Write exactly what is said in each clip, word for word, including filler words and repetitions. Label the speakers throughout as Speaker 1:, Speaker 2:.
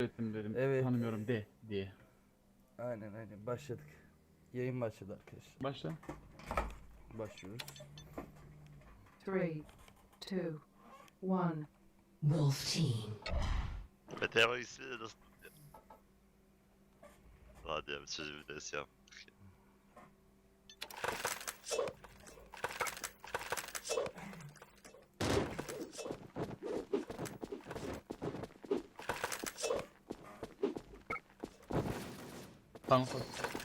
Speaker 1: ettim dedim.
Speaker 2: Evet.
Speaker 1: Tanımıyorum de diye.
Speaker 2: Aynen aynen başladık. Yayın başladı arkadaşlar.
Speaker 1: Başla.
Speaker 2: Başlıyoruz.
Speaker 3: Three, two, one.
Speaker 4: Wolf Team.
Speaker 5: Mete bak ismi de nasıl? Hadi ya bir sözü bir ders yap.
Speaker 1: Tamam.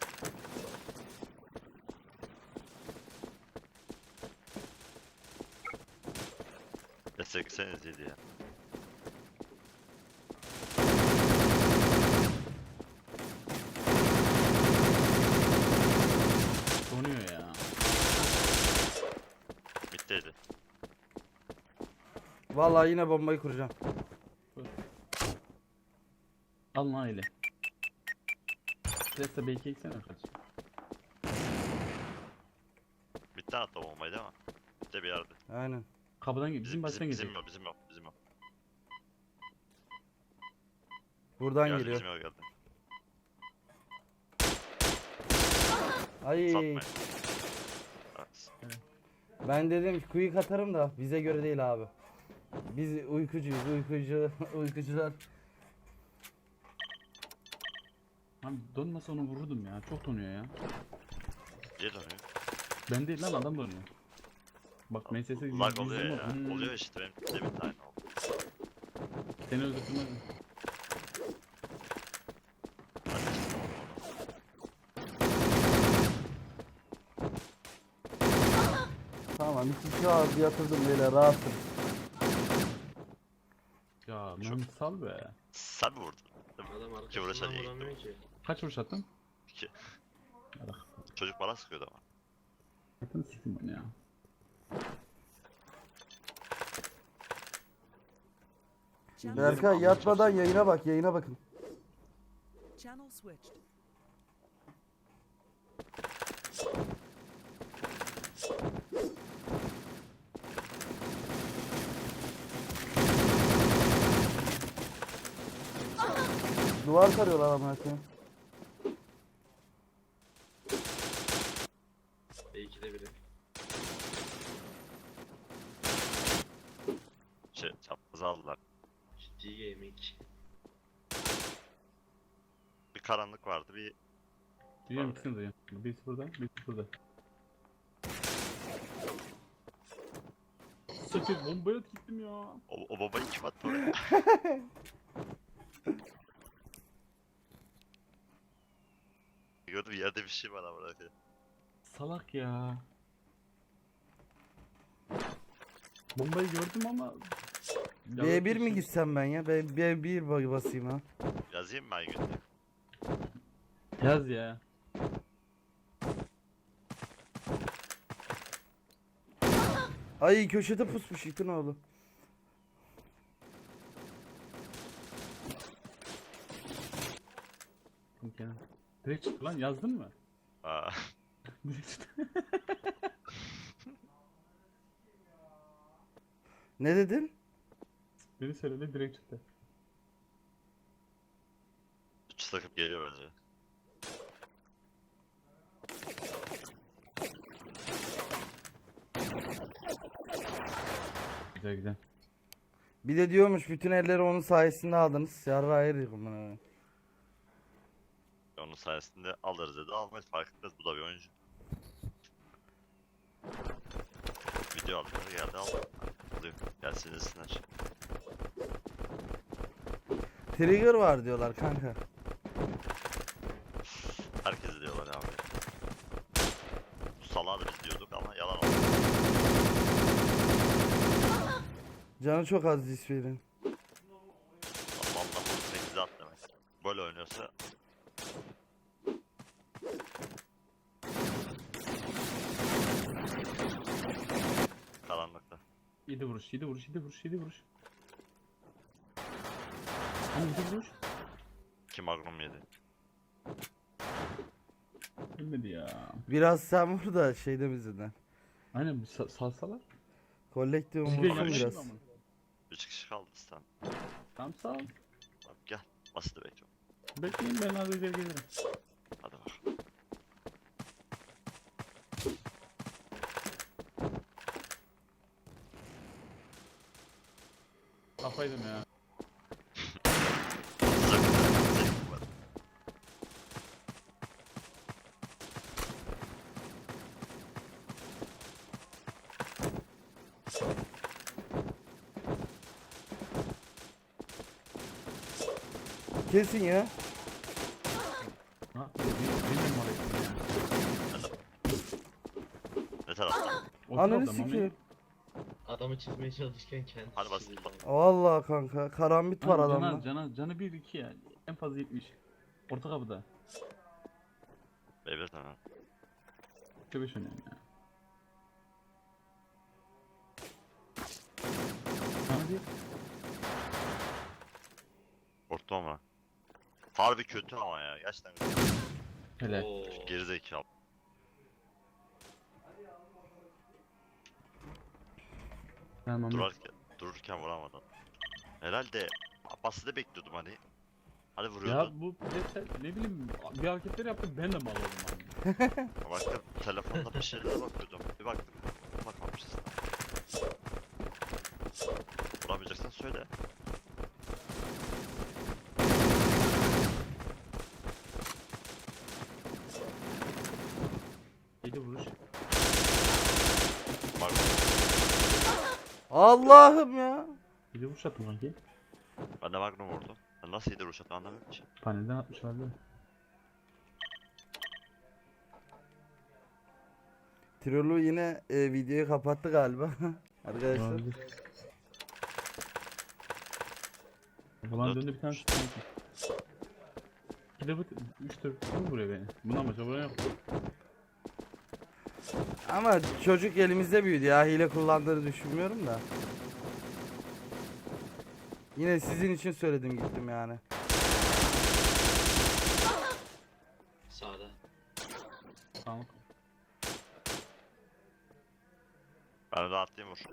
Speaker 5: Destekleseniz iyiydi ya.
Speaker 1: Donuyor ya.
Speaker 5: Bittiydi.
Speaker 2: Vallahi yine bombayı kuracağım.
Speaker 1: Al lan öyle. Stresse belki eksene kardeşim.
Speaker 5: Bitti hatta bombayı değil mi? Bitti bir yerde.
Speaker 2: Aynen.
Speaker 1: Kapıdan gir. Bizim
Speaker 5: Bizim,
Speaker 1: baştan
Speaker 5: bizim, bizim
Speaker 1: girecek.
Speaker 5: yok, bizim yok, bizim yok.
Speaker 2: Buradan
Speaker 5: Geldi,
Speaker 2: geliyor.
Speaker 5: bizim yok geldi.
Speaker 2: Ay.
Speaker 5: Satmayın. Evet.
Speaker 2: Ben dedim quick atarım da bize göre değil abi. Biz uykucuyuz, uykucu, uykucular.
Speaker 1: Abi donmasa onu vururdum ya. Çok donuyor ya.
Speaker 5: Niye dönüyor?
Speaker 1: Ben değil lan adam donuyor. Bak M S S gibi.
Speaker 5: Lag oluyor ya.
Speaker 1: Hmm.
Speaker 5: Oluyor işte benim de bir tane oldu.
Speaker 1: Seni öldürtmez mi?
Speaker 5: Hadi işte.
Speaker 2: Tamam iki kişi ağzı yatırdım böyle rahatım.
Speaker 1: Ya
Speaker 5: Çok-
Speaker 1: lan sal be.
Speaker 5: Sen mi vurdun?
Speaker 6: Adam
Speaker 5: İki vuruşa
Speaker 6: arkasından
Speaker 5: niye gitti
Speaker 6: vuramıyor
Speaker 5: bu?
Speaker 6: ki.
Speaker 1: Kaç vuruş attın?
Speaker 5: İki.
Speaker 1: Bak.
Speaker 5: Çocuk bana sıkıyordu ama.
Speaker 1: Atın sikim onu ya.
Speaker 2: Berkay yatmadan yayına bak, yayına bakın.
Speaker 7: Channel switched.
Speaker 2: Duvar sarıyorlar ama koyayım.
Speaker 6: E ikide biri.
Speaker 5: Şey, çaprazı aldılar.
Speaker 6: Ciddi gaming.
Speaker 5: Bir karanlık vardı, bir
Speaker 1: Duyuyorum
Speaker 5: Abi.
Speaker 1: ikisini duyuyorum. Birisi burada, birisi burada. Sakın bombaya gittim ya.
Speaker 5: o, o babayı kim attı oraya? Gördüm yerde bir şey var ama bırakıyor.
Speaker 1: Salak ya. Bombayı gördüm ama...
Speaker 2: B bir mi gitsem ben ya? Ben B bir basayım ha.
Speaker 5: Yazayım mı ben günlük?
Speaker 1: Yaz ya.
Speaker 2: Ay köşede pusmuş itin oğlu.
Speaker 1: Yok ya. Direkt çıktı lan, yazdın mı?
Speaker 5: Aa,
Speaker 1: Direkt çıktı.
Speaker 2: Ne dedin?
Speaker 1: Beni söyledi, direkt çıktı.
Speaker 5: üç takım geliyor bence.
Speaker 1: Güzel güzel.
Speaker 2: Bir de diyormuş bütün elleri onun sayesinde aldınız. Yarra ayırıyor bunu.
Speaker 5: Onun sayesinde alırız dedi, almayız fark etmez, bu da bir oyuncu. Video aldılar, geldi aldı. Alıyor, gelsin desinler.
Speaker 2: Trigger var diyorlar kanka.
Speaker 5: Herkes diyorlar abi. Bu salağı da biz diyorduk ama yalan oldu.
Speaker 2: Canı çok az isverin.
Speaker 5: Vallahi bu sekize at demek. Böyle oynuyorsa karanlıkta.
Speaker 1: yedi vuruş, yedi vuruş, yedi vuruş, yedi vuruş. Hani yedi vuruş?
Speaker 5: Kim Magnum yedi.
Speaker 1: Ölmedi ya.
Speaker 2: Biraz sen vur da şeyde bizden.
Speaker 1: Aynen bir sa salsalar.
Speaker 2: Kolektif
Speaker 1: Bir de
Speaker 2: vursun
Speaker 1: yanlış
Speaker 2: biraz.
Speaker 1: mı ama?
Speaker 5: üç kişi kaldı stan.
Speaker 1: Tamam sağ ol.
Speaker 5: Bak gel. Basit
Speaker 1: Bekleyin ben az önce gelirim.
Speaker 5: Hadi bak.
Speaker 1: Kafaydım ya.
Speaker 5: Sakın. Sakın var.
Speaker 2: Kesin ya.
Speaker 1: Ha? Bilmiyorum orayı ya.
Speaker 5: Ne taraftan?
Speaker 1: O
Speaker 2: Ananı
Speaker 1: tarafta, Mami.
Speaker 2: sikeyim.
Speaker 6: Adamı çizmeye çalışırken kendisi
Speaker 5: Hadi bas.
Speaker 6: çizildi.
Speaker 2: Vallahi kanka karambit var
Speaker 1: Abi
Speaker 2: adamda.
Speaker 1: Canı, canı, canı bir iki ya. En fazla yetmiş. Orta kapıda.
Speaker 5: Evet tamam.
Speaker 1: Üçe beş oynuyorum ya. Hadi.
Speaker 5: Korktum ama. Harbi kötü ama ya. Gerçekten kötü.
Speaker 1: Hele.
Speaker 6: Oo.
Speaker 5: Gerizekalı.
Speaker 1: Tamam.
Speaker 5: Durarken, dururken vuramadım. Herhalde Abbas'ı bekliyordum hani. Hadi
Speaker 1: Ya
Speaker 5: vuruyordu.
Speaker 1: bu bireysel ne bileyim bir hareketler yaptı ben de mal oldum abi.
Speaker 5: Baktım telefonda bir şeylere bakıyordum. Bir baktım. Bakmamışız. Vuramayacaksan söyle.
Speaker 1: Yedi vuruş.
Speaker 5: Bak
Speaker 2: Allah'ım ya.
Speaker 1: Yedi vuruş attım kanki.
Speaker 5: ben de Magnum vurdum. Ben nasıl yedi vuruş attım anlamıyorum ki.
Speaker 1: Panelden atmış vardı.
Speaker 2: Tirolu yine e, videoyu kapattı galiba. Arkadaşlar.
Speaker 1: Olabilir. O zaman döndü bir tane şut kanki. İki de bu üç dört kim vuruyor beni? Bundan başka vuran yok.
Speaker 2: Ama çocuk elimizde büyüdü ya. Hile kullandığını düşünmüyorum da. Yine sizin için söyledim gittim yani.
Speaker 6: Sağda.
Speaker 1: Tamam.
Speaker 5: Ben de atlayayım vur.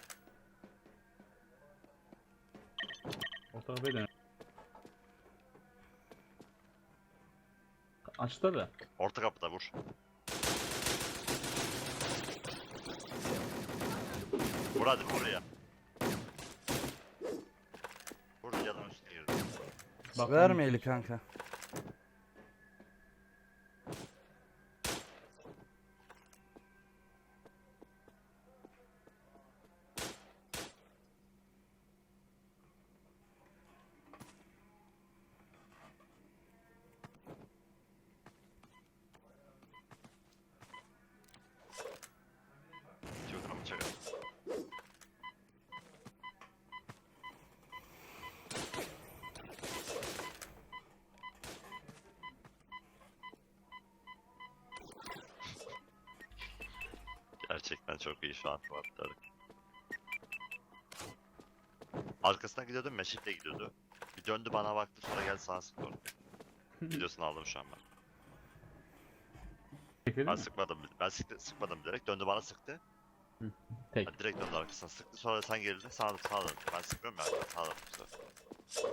Speaker 1: Orta kapıya dön. Açtı da.
Speaker 5: Orta kapıda vur. Vur hadi vur ya. Vur yanın üstüne girdi.
Speaker 1: Bak,
Speaker 2: Verme eli kanka.
Speaker 5: Twitter mı çakar? Gerçekten çok iyi şu an Fuatları. Arkasından gidiyordu, Meşik'le gidiyordu. Bir döndü bana baktı sonra geldi sana sıktı orada. Videosunu aldım şu an ben.
Speaker 1: Çekelim
Speaker 5: Ben
Speaker 1: mi?
Speaker 5: sıkmadım, ben sıktı, sıkmadım direkt. Döndü bana sıktı.
Speaker 1: Tek.
Speaker 5: Ben direkt döndü arkasına sıktı. Sonra sen gerildin, sağa sağa döndü. Ben sıkmıyorum ya, sağa döndüm bu sefer.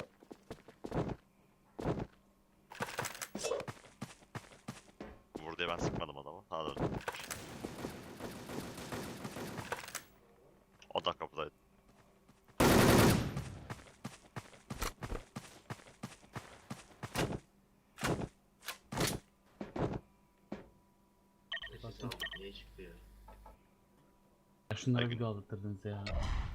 Speaker 5: Vur diye ben sıkmadım adamı, sağa döndüm. O da kapıdaydı.
Speaker 6: Neyse, sağ ol. Niye çıktı ya?
Speaker 1: Ya şunlara
Speaker 5: Peki.
Speaker 1: video aldırdınız ya.